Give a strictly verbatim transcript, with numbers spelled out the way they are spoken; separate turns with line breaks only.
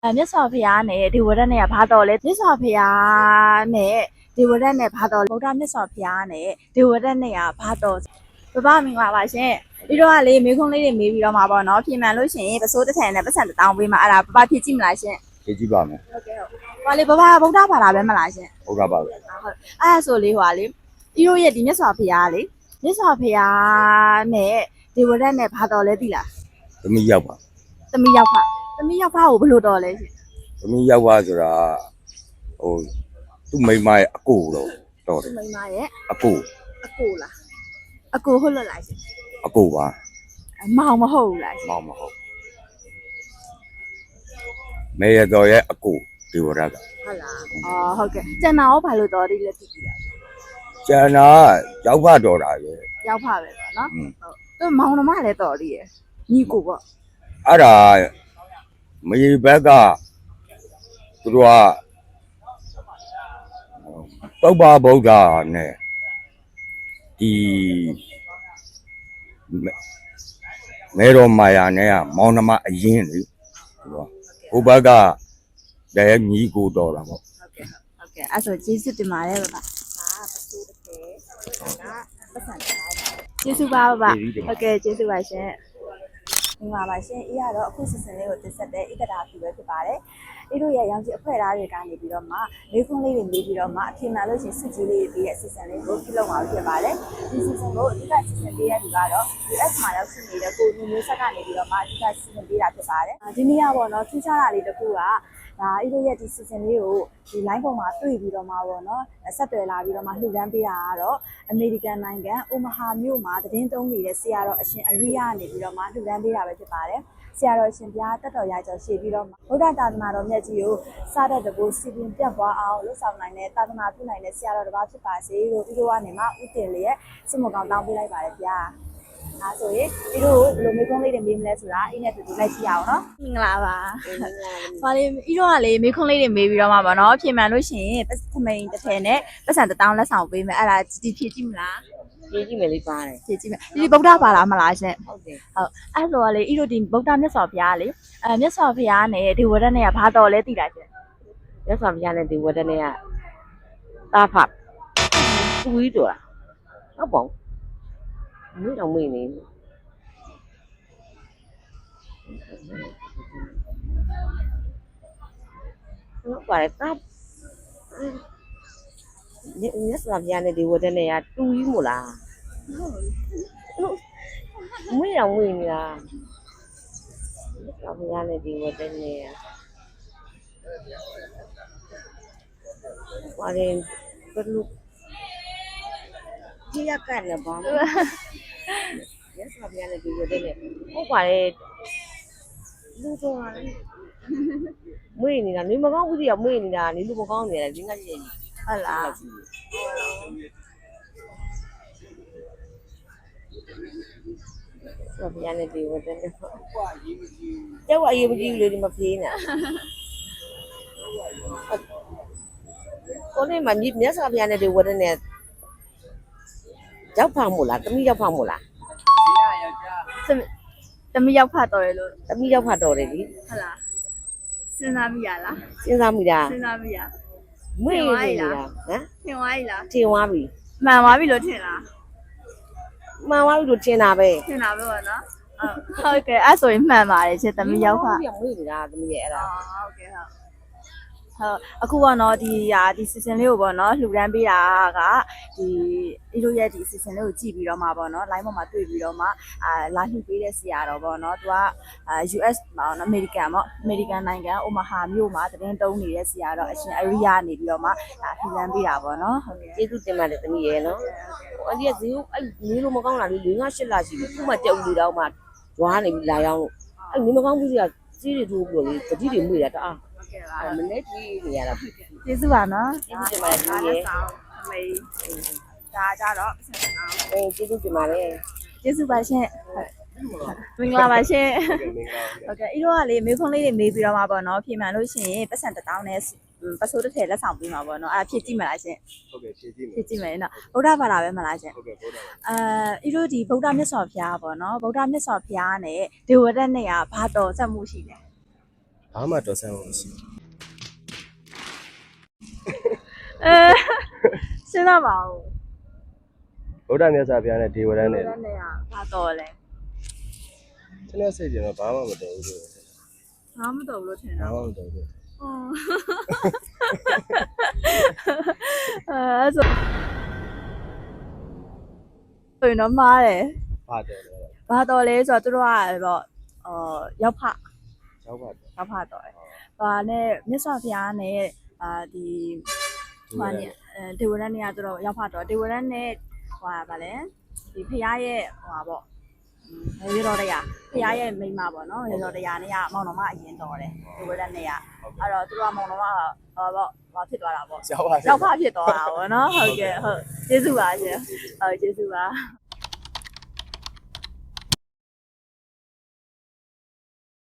မြတ်စွာဘုရားနဲ့ဒီဝရတ်နဲ့ကဘာတော်လဲမြတ်စွာဘုရားနဲ့ဒီဝရတ်နဲ့ဘာတော်ဗုဒ္ဓမြတ်စွာဘုရားနဲ့ဒီဝရတ်နဲ့ကဘာတော်ပပမင်္ဂလာပါရှင်ဒီတော့ကလေမေခွန်းလေးတွေမေးပြီးတော့မှာပေါ့နော်ပြင်မှန်လို့ရှိရင်ပစိုးတစ်ထန်နဲ့ပတ်စံတစ်တောင်းပေးမှာအဲ့ဒါပပဖြစ်ကြည့်မလားရှင်
ဖြည့်ကြည့်ပါမယ်
ဟုတ်ကဲ့ဟုတ်ဟောလေပပဗုဒ္ဓဘာသာပဲမလားရှင်
ဟုတ်ကဲ့ပါပဲ
ဟုတ်အဲ့ဒါဆိုလေဟွာလေဤတို့ရဲ့ဒီမြတ်စွာဘုရားလေမြတ်စွာဘုရားနဲ့ဒီဝရတ်နဲ့ဘာတော်လဲသိလား
သမီးရောက်ပါ
သမီးရောက်ဖသမီးရောက်ဖကိုဘယ်လိုတော်လဲရှင်
သမီးရောက်ပါဆိုတာဟိုသူ့မိမရဲ့အကိုတော့တော်တယ်
မိမရဲ့
အကို
အကိုလားအကိုဟုတ်လို့လားရှင်
အကိုပါ
မောင်မဟုတ်ဘူးလားရှင်
မောင်မဟုတ်မေရတော်ရဲ့အကိုဒီဝရက
ဟုတ်လားအော်ဟုတ်ကဲ့ကျန်တာရောဘာလို့တော်တယ်လဲသိပြီလား
ကျန်တာရောက်ဖတော်တာရဲ့
ရောက်ဖပဲပေါ့နော်ဟုတ်သူမောင်နှမလည်းတော်သေးရဲ့ညီကိုပေါ့
အဲ့ဒါမေဘက်ကသူတို့ကပုပ္ပဗုဒ္ဓနဲ့ဒီမေတော်မာယာနဲ့ကမောင်နှမအရင်လေဟိုဘက်ကလည်းညီကိုတော်တာပေါ့
ဟုတ်ကဲ့ဟုတ်ကဲ့အဲ့ဆိုကျေးဇူးတင်ပါတယ်ဗျာဒါပစိုးတစ်ခဲဒါပတ်စံထားပါကျေးဇူးပါဗျာဟုတ်ကဲ့ကျေးဇူးပါရှင်ဒီမှာပါရှင်အေးရတော့အခုစစ်စင်လေးကိုတင်ဆက်တဲ့ဣတတာဖြူပဲဖြစ်ပါတယ်အေးတို့ရဲ့ရောင်ကြီးအဖွဲ့သားတွေကနေပြီးတော့မှလေးခွန်းလေးတွေနေပြီးတော့မှအထင်မှန်လို့ရှိရင်စစ်ကြီးလေးတွေပြီးရဲ့စစ်စင်လေးကိုပြုလုပ်မှာဖြစ်ပါတယ်ဒီစစ်စင်ကိုအဓိကစစ်စင်ပေးရသူကတော့ U S မှာရောက်ရှိနေတဲ့ကိုမျိုးမျိုးဆက်ကနေပြီးတော့မှအဓိကစစ်စင်ပေးတာဖြစ်ပါတယ်ဒီနေ့ကပေါ့နော်ထူးခြားတာလေးတစ်ခုကဒါအေးတို့ရဲ့ဒီစီဇန်လေးကိုဒီ line ပေါ်မှာတွေ့ပြီးတော့မှာပေါ့နော်ဆက်သွယ်လာပြီးတော့မှလှူဒန်းပေးတာကတော့အမေရိကန်နိုင်ငံအိုမာဟာမြို့မှာသတင်းသုံးနေတဲ့ဆရာတော်အရှင်အရိယနေပြီးတော့မှလှူဒန်းပေးတာပဲဖြစ်ပါတယ်ဆရာတော်ရှင်ဘုရားတက်တော်ရကြော်ရှေ့ပြီးတော့ဗုဒ္ဓသာသနာတော်မြတ်ကြီးကိုစားတဲ့တကူစီပင်ပြတ်သွားအောင်လှူဆောင်နိုင်တဲ့သာသနာပြုနိုင်တဲ့ဆရာတော်တစ်ပါးဖြစ်ပါစေလို့ဒီလိုကနေမှဥတင်လေးရဲ့စစ်မကောင်းတောင်းပေးလိုက်ပါတယ်ဗျာဒါဆိုရင်ဒီလိုဘယ်လိုမေးခွန်းလေးတွေမေးမလဲဆိုတာအင်းနဲ့တူတူလိုက်ကြည့်အောင်နော်မင်္ဂလာပါဘာလေးဤတော့ကလေမေးခွန်းလေးတွေမေးပြီးတော့မှာပါနော်ပြင်မှန်လို့ရှိရင်သမိန်တစ်ထည်နဲ့ပတ်စံတစ်တောင်းလက်ဆောင်ပေးမယ်အဲ့ဒါဒီဖြည့်ကြည့်မလား
ဖြည့်ကြည့်မယ်လေးပါတယ်
ဖြည့်ကြည့်မယ်ဒီဗုဒ္ဓဘာသာမလားရှင်
ဟုတ်တယ်
ဟုတ်အဲ့ဆိုလေဤတို့ဒီဗုဒ္ဓမြတ်စွာဘုရားလေအဲမြတ်စွာဘုရားနဲ့ဒီဝရတ်နဲ့ကဘာတော်လဲသိလားရှင်
မြတ်စွာဘုရားနဲ့ဒီဝရတ်နဲ့ကတာဖတ်သူကြီးတော်လားဟုတ်ပါဘူးမင်းတော့မင်းနေဟုတ်ပါတယ်တပ်မြတ်စွာဘုရားနဲ့ဒီဝရတ်နဲ့ကတူကြီးမို့လားမင်းတော့မင်းနေလားမြတ်စွာဘုရားနဲ့ဒီဝရတ်နဲ့ကဘာလဲဘယ်လိုကြည့်ရကြတယ်ဘာလဲရက်စပြရတယ်ဒီလိုတဲ့ဟုတ်ပါလေလူတော်ကလည်းမွေးနေတာနေမကောင်းဘူးစီကမွေးနေတာနေလူမကောင်းနေတယ်ဒီငါကြီး
ဟုတ်လား
ဆိုပြရတယ်ဒီဝတ်တဲ့ကျောက်အရေးမကြီးဘူးလေဒီမဖေးနေတာကိုလေးမမြတ်စွာဘုရားနဲ့ဒီဝတ်တဲ့ရောက်ဖောက်မို့လားတမိရောက်ဖောက်မို့လား
တမီရောက်ဖတ်တော်ရလို့
တမိရောက်ဖတ်တော်တယ်လी
ဟုတ်လားစဉ်းစားမိရလား
စဉ်းစားမိတာ
စဉ်းစားမိရ
မွေးနေတာဟမ်
ထင်သွားပြီလား
ထင်သွားပြီ
မှန်သွားပြီလို့ထင်လား
မှန်သွားပြီလို့ထင်တာပဲ
ထင်တာပဲပေါ့နော်ဟုတ်ကဲ့အဲ့ဆိုရင်မှန်ပါတယ်ရှင်တမီရောက်ဖတ်
မွေးနေတာတမိရဲ့အဲ့ဒါ
ဟုတ်ကဲ့ဟုတ်ဟုတ်အခုပေါ့နော်ဒီဟာဒီ season လေးကိုပေါ့နော်လှူဒန်းပေးတာကဒီဒီလိုရဲ့ဒီ season လေးကိုကြည့်ပြီးတော့မှပေါ့နော် line ပေါ်မှာတွေ့ပြီးတော့မှအာလာလှူပေးတဲ့ဆရာတော်ပေါ့နော်သူကအာ U S ပေါ့နော် American ပေါ့ American နိုင်ငံအိုမာဟာမြို့မှာသတင်းတုံးနေတဲ့ဆရာတော်အရှင်အရိယာနေပြီးတော့မှဒါလှူဒန်းပေးတာပေါ့နော်ဟုတ်ကဲ့
ကျေးဇူးတင်ပါတယ်တမီးရဲ့နော်ဟိုအဒီကဈေးအဲ့နေလို့မကောင်းတာလေ၄၅၈လရှိပြီခုမှတက်ဦးလေးတော့မှဂျွားနေပြီးလာရောက်လို့အဲ့နေမကောင်းဘူးစီကစီးတွေထိုးပြီးတော့လေတတိတွေမှုရတာအားမနေ့ကြီးနေရတာ
ကျေးဇူးပါနော်
ကျေးဇူးတင်ပါတယ်ဒီရေ
အမေဒါကြတော့ဆက်စအောင်
အေးကျေးဇူးတင်ပါတယ်
ကျေးဇူးပါရှင်မင်္ဂလာပါရှင်ဟုတ်ကဲ့ဤတော့ကလေမေခွန်းလေးတွေမေးပြီးတော့မှာပေါ့နော်ဖြေမှန်လို့ရှိရင်ပတ်စံတစ်တောင်းနဲ့ပစိုးတစ်ထည်လက်ဆောင်ပေးမှာပေါ့နော်အဲ့ဒါဖြည့်ကြည့်မလားရှင်
ဟုတ်ကဲ့ဖြည့်ကြည့်မယ်
ဖြည့်ကြည့်မယ်နော်ဗုဒ္ဓဘာသာပဲမလားရှင်
ဟုတ်ကဲ့ဗုဒ္ဓဘာသာ
အဲဤတို့ဒီဗုဒ္ဓမြတ်စွာဘုရားပေါ့နော်ဗုဒ္ဓမြတ်စွာဘုရားနဲ့ဒေဝရတ်နဲ့ကဘာတော်ဆက်မှုရှိလဲ
ဘာမှတော်ဆန်းလို့မရှိ
အဲစဉ်းစားပါဦး
ဗုဒ္ဓမြတ်စွာဘုရားနဲ့ဒေဝရန်နဲ့
နဲ့နဲ့ကဘာတော်လဲ
ကျွန်တော်စိတ်ကြတော့ဘာမှမတော်ဘူးလို့
ဘာမတော်ဘူးလို့ထင်
ဘာ
တာ
မှမတော်ဘူး
ဟုတ်အဲဆိုဆိုရင်တော့မားတယ်
ဘာတော်လဲ
ဘာတော်လဲဆိုတော့သူတို့ကပေါ့အော်ရောက်ဖ
ရောက်ပါတော့
ရောက်ဖတော်တယ်ဟာနဲ့မြတ်စွာဘုရားနဲ့အာဒီဟိုကနေဒေဝရန်နေရသူတို့ရောက်ဖတော်ဒေဝရန်နဲ့ဟိုဗာလဲဒီဖရားရဲ့ဟိုပါပေါ့ရေတော်တရားဖရားရဲ့မိမပေါ့နော်ရေတော်တရားနဲ့ကမောင်တော်မအရင်တော်တယ်ဒေဝရန်နဲ့ကအဲ့တော့သူတို့ကမောင်တော်မဟောပေါ့ဟောဖြစ်သွားတာပေါ့
ရောက်ပါ
ရောက်ဖဖြစ်သွားတာပေါ့နော်ဟုတ်ကဲ့ဟုတ်ကျေးဇူးပါရှင်ဟုတ်ကျေးဇူးပါ